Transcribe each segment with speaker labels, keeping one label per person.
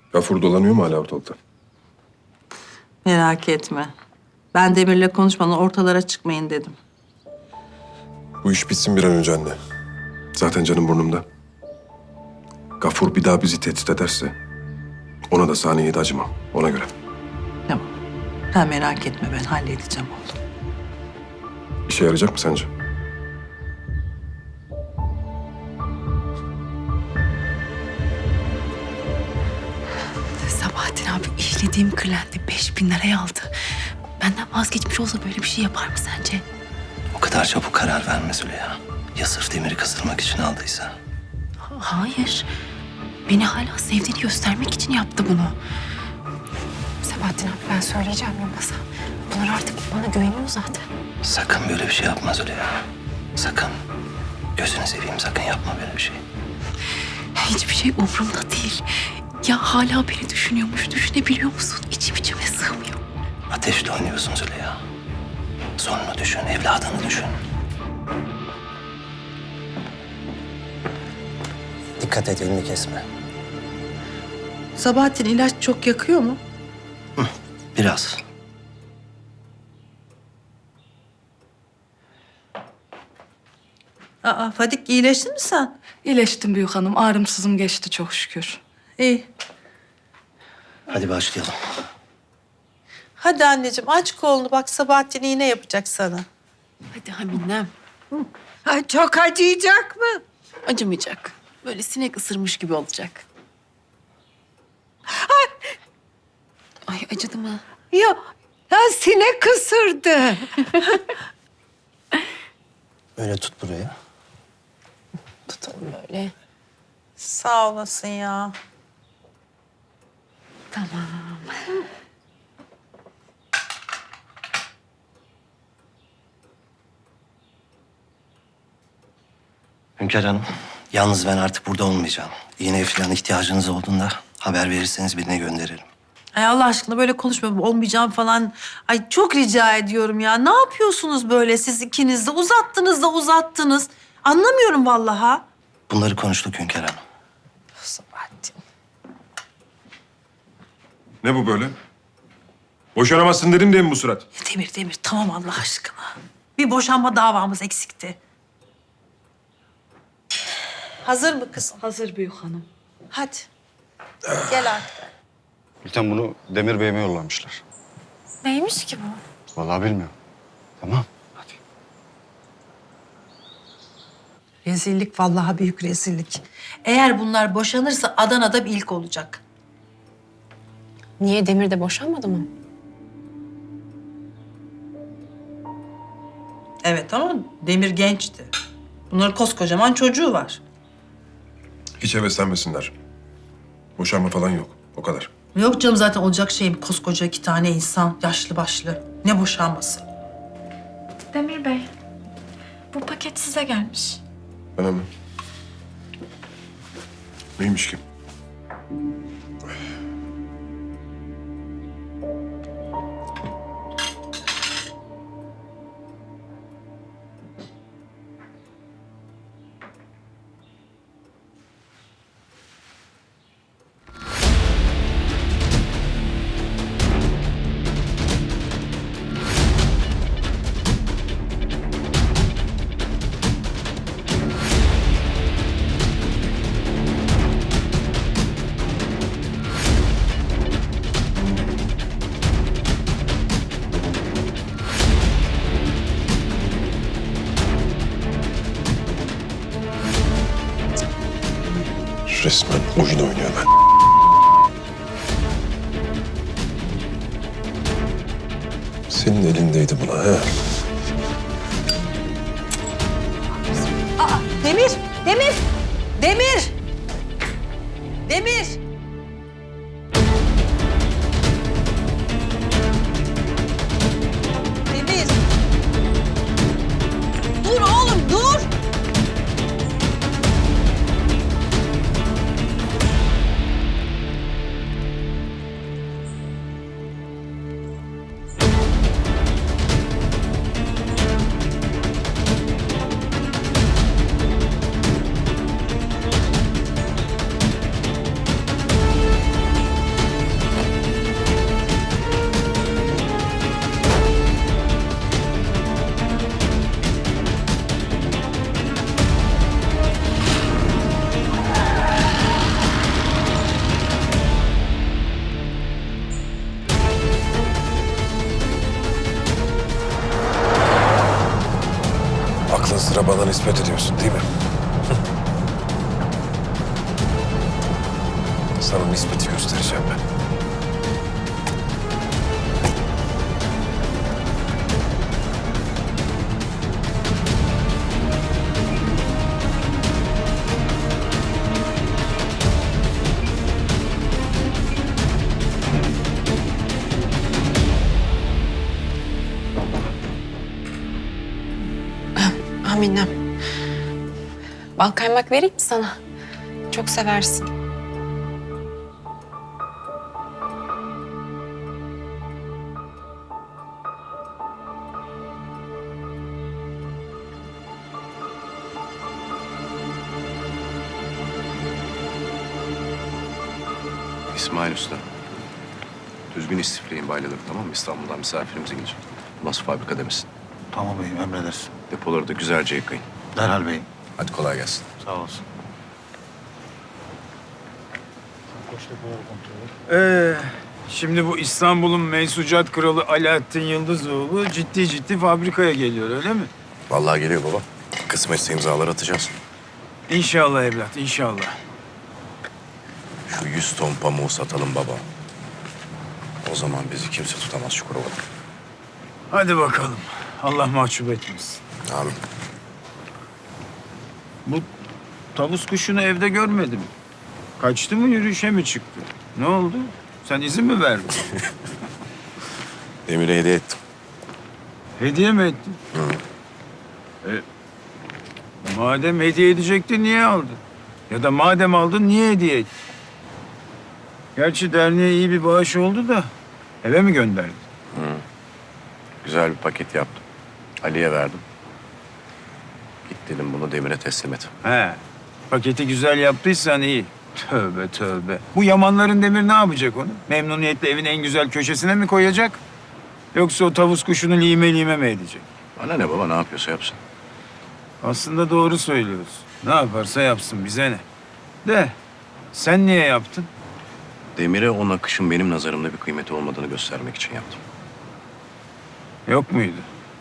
Speaker 1: Gafur dolanıyor mu hala ortalıkta?
Speaker 2: Merak etme. Ben Demir'le konuşmadan ortalara çıkmayın dedim.
Speaker 1: Bu iş bitsin bir an önce anne. Zaten canım burnumda. Gafur bir daha bizi tehdit ederse ona da saniyeye de acımam. Ona göre.
Speaker 2: Tamam. Sen merak etme, ben halledeceğim oğlum.
Speaker 1: İşe yarayacak mı sence?
Speaker 3: Sabahattin abi işlediğim klienti 5.000 liraya aldı. Benden vazgeçmiş olsa böyle bir şey yapar mı sence?
Speaker 4: O kadar çabuk karar vermez Züleyha. Ya sırf Demir'i kızdırmak için aldıysa?
Speaker 3: Hayır. Beni hala sevdiğini göstermek için yaptı bunu. Sabahattin abi ben söyleyeceğim Yılmaz'a. Bunlar artık bana güveniyor zaten.
Speaker 4: Sakın böyle bir şey yapma Züleyha. Sakın. Gözünü seveyim sakın yapma böyle bir şey.
Speaker 3: Hiçbir şey umurumda değil. Ya hala beni düşünüyormuş, düşünebiliyor musun? İçim içime sığmıyor.
Speaker 4: Ateşle oynuyorsun Züleyha. Sonunu düşün, evladını düşün. Dikkat et, elini kesme.
Speaker 2: Sabahattin ilaç çok yakıyor mu?
Speaker 4: Biraz.
Speaker 2: Aa, Fadik iyileştin mi sen?
Speaker 5: İyileştim büyük hanım. Ağrımsızım geçti çok şükür.
Speaker 2: İyi.
Speaker 4: Hadi başlayalım.
Speaker 2: Hadi anneciğim aç kolunu, bak Sabahattin iğne yapacak sana.
Speaker 3: Hadi Haminem.
Speaker 6: Ay, çok acıyacak mı?
Speaker 3: Acımayacak. Böyle sinek ısırmış gibi olacak. Ay acıdı mı?
Speaker 6: Ya, ya sinek ısırdı.
Speaker 4: Öyle tut burayı.
Speaker 3: Tutalım böyle.
Speaker 2: Sağ olasın ya.
Speaker 3: Tamam.
Speaker 4: Hünkar Hanım, yalnız ben artık burada olmayacağım. İğneye falan ihtiyacınız olduğunda haber verirseniz birine gönderirim.
Speaker 2: Ay Allah aşkına böyle konuşma, olmayacağım falan. Ay çok rica ediyorum ya. Ne yapıyorsunuz böyle siz ikiniz de? Uzattınız da uzattınız. Anlamıyorum vallahi.
Speaker 4: Bunları konuştuk Hünkar Hanım.
Speaker 2: Sabahattin.
Speaker 1: Ne bu böyle? Boşanamazsın dedim diye mi bu surat?
Speaker 2: Demir tamam Allah aşkına. Bir boşanma davamız eksikti. Hazır mı kızım?
Speaker 5: Hazır büyük hanım.
Speaker 2: Hadi. Gel artık.
Speaker 7: Gülten bunu Demir Bey'ime yollamışlar.
Speaker 3: Neymiş ki bu?
Speaker 7: Vallahi bilmiyorum. Tamam. Hadi.
Speaker 2: Rezillik vallahi, büyük rezillik. Eğer bunlar boşanırsa Adana'da bir ilk olacak.
Speaker 3: Niye Demir de boşanmadı mı?
Speaker 2: Evet ama Demir gençti. Bunların koskocaman çocuğu var.
Speaker 1: Hiç heveslenmesinler. Boşanma falan yok. O kadar.
Speaker 2: Yok canım, zaten olacak şey mi? Koskoca 2 tane insan, yaşlı başlı. Ne boşanması?
Speaker 8: Demir Bey, bu paket size gelmiş.
Speaker 1: Bana mı? Neymiş ki? Resmen oyun oynuyor ben. Senin elindeydi buna he.
Speaker 2: Demir! Demir! Demir! Demir! Demir! Dur oğlum, dur!
Speaker 1: nispet ediyorsun değil mi? Sana nispeti göstereceğim ben.
Speaker 3: Aminem. Bal kaymak vereyim mi sana? Çok seversin.
Speaker 9: İsmail Usta. Düzgün istifleyin bayladık, tamam mı? İstanbul'dan misafirimize gelecek. Nasıl fabrika demesin.
Speaker 7: Tamam beyim, emredersin.
Speaker 9: Depoları da güzelce yıkayın.
Speaker 7: Derhal beyim.
Speaker 9: Hadi kolay gelsin.
Speaker 7: Sağ olasın.
Speaker 10: Şimdi bu İstanbul'un mensucat kralı Alaaddin Yıldızoğlu ciddi fabrikaya geliyor, öyle mi?
Speaker 9: Vallahi geliyor baba. Kısmetse imzalar atacağız.
Speaker 10: İnşallah evlat, inşallah.
Speaker 9: Şu 100 ton pamuğu satalım baba. O zaman bizi kimse tutamaz Çukurova'da.
Speaker 10: Hadi bakalım. Allah mahcup etmesin.
Speaker 9: Amin.
Speaker 10: Bu tavus kuşunu evde görmedim. Kaçtı mı, yürüyüşe mi çıktı? Ne oldu? Sen izin mi verdin?
Speaker 9: Demir'e hediye ettim.
Speaker 10: Hediye mi ettin? Madem hediye edecektin, niye aldın? Ya da madem aldın, niye hediye ettin? Gerçi derneğe iyi bir bağış oldu da eve mi gönderdin?
Speaker 9: Güzel bir paket yaptım. Ali'ye verdim. Git dedim, bunu Demir'e teslim et.
Speaker 10: He, paketi güzel yaptıysan iyi. Tövbe tövbe. Bu Yamanların Demir ne yapacak onu? Memnuniyetle evin en güzel köşesine mi koyacak? Yoksa o tavus kuşunu lime mi edecek?
Speaker 9: Bana ne baba, ne yapıyorsa yapsın.
Speaker 10: Aslında doğru söylüyorsun. Ne yaparsa yapsın, bize ne? De, sen niye yaptın?
Speaker 9: Demir'e o nakışın benim nazarımda bir kıymeti olmadığını göstermek için yaptım.
Speaker 10: Yok muydu?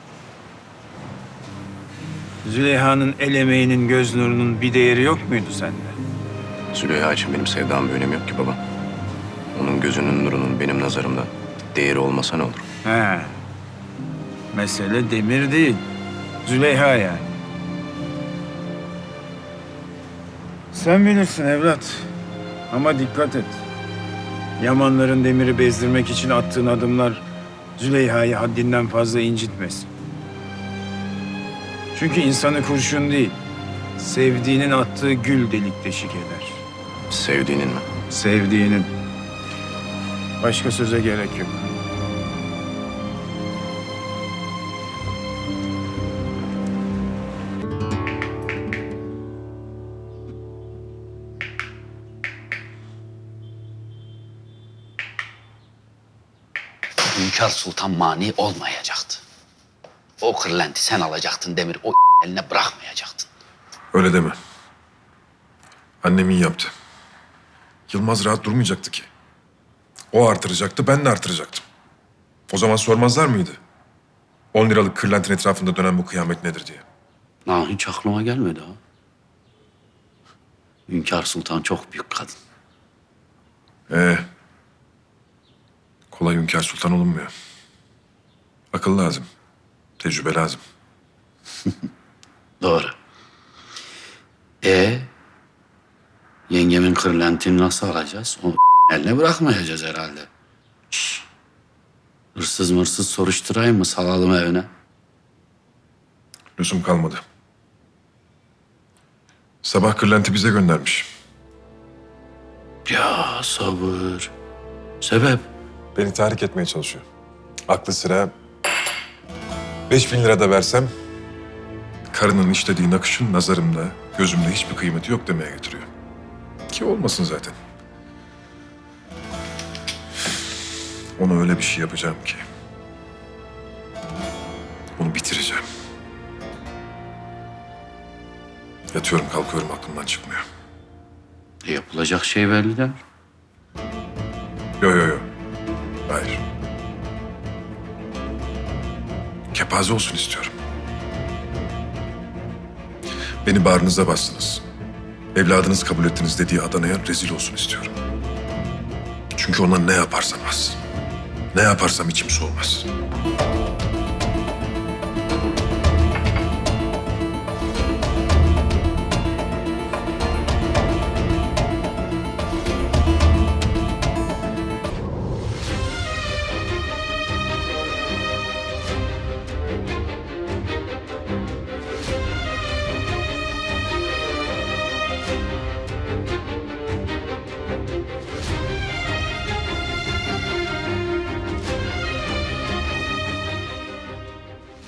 Speaker 10: Züleyha'nın el emeğinin, göz nurunun bir değeri yok muydu sende?
Speaker 9: Züleyha için benim sevdam bir önemi yok ki baba. Onun gözünün nurunun benim nazarımda değeri olmasa ne olur?
Speaker 10: He. Mesele Demir değil. Züleyha yani. Sen bilirsin evlat. Ama dikkat et. Yamanların Demir'i bezdirmek için attığın adımlar Züleyha'yı haddinden fazla incitmesin. Çünkü insanı kurşun değil, sevdiğinin attığı gül delik deşik eder.
Speaker 9: Sevdiğinin mi?
Speaker 10: Sevdiğinin. Başka söze gerek yok.
Speaker 11: Hünkâr Sultan mani olmayacaktı. O kırlenti sen alacaktın Demir, o eline bırakmayacaktın.
Speaker 1: Öyle deme. Annem iyi yaptı. Yılmaz rahat durmayacaktı ki. O artıracaktı, ben de artıracaktım. O zaman sormazlar mıydı? 10 liralık kırlentin etrafında dönen bu kıyamet nedir diye.
Speaker 11: Ha, hiç aklıma gelmedi ha. Hünkâr Sultan çok büyük kadın.
Speaker 1: Kolay hünkâr sultan olunmuyor. Akıl lazım. Tecrübe lazım.
Speaker 11: Doğru. Yengemin kırlentini nasıl alacağız? O eline bırakmayacağız herhalde. Şş. Hırsız mırsız soruşturayım mı? Salalım evine.
Speaker 1: Lüzum kalmadı. Sabah kırlenti bize göndermiş.
Speaker 11: Ya sabır. Sebep?
Speaker 1: Beni tahrik etmeye çalışıyor. Aklı sıra 5.000 lira da versem karının işlediği nakışın nazarımda, gözümde hiçbir kıymeti yok demeye getiriyor. Ki olmasın zaten. Ona öyle bir şey yapacağım ki. Onu bitireceğim. Yatıyorum kalkıyorum aklımdan çıkmıyor.
Speaker 11: Yapılacak şey belli de.
Speaker 1: Yo. Hayır. Kepaze olsun istiyorum. Beni bağrınıza bastınız. Evladınız kabul ettiniz dediği Adana'ya rezil olsun istiyorum. Çünkü ona ne yaparsam az. Ne yaparsam içim soğumaz.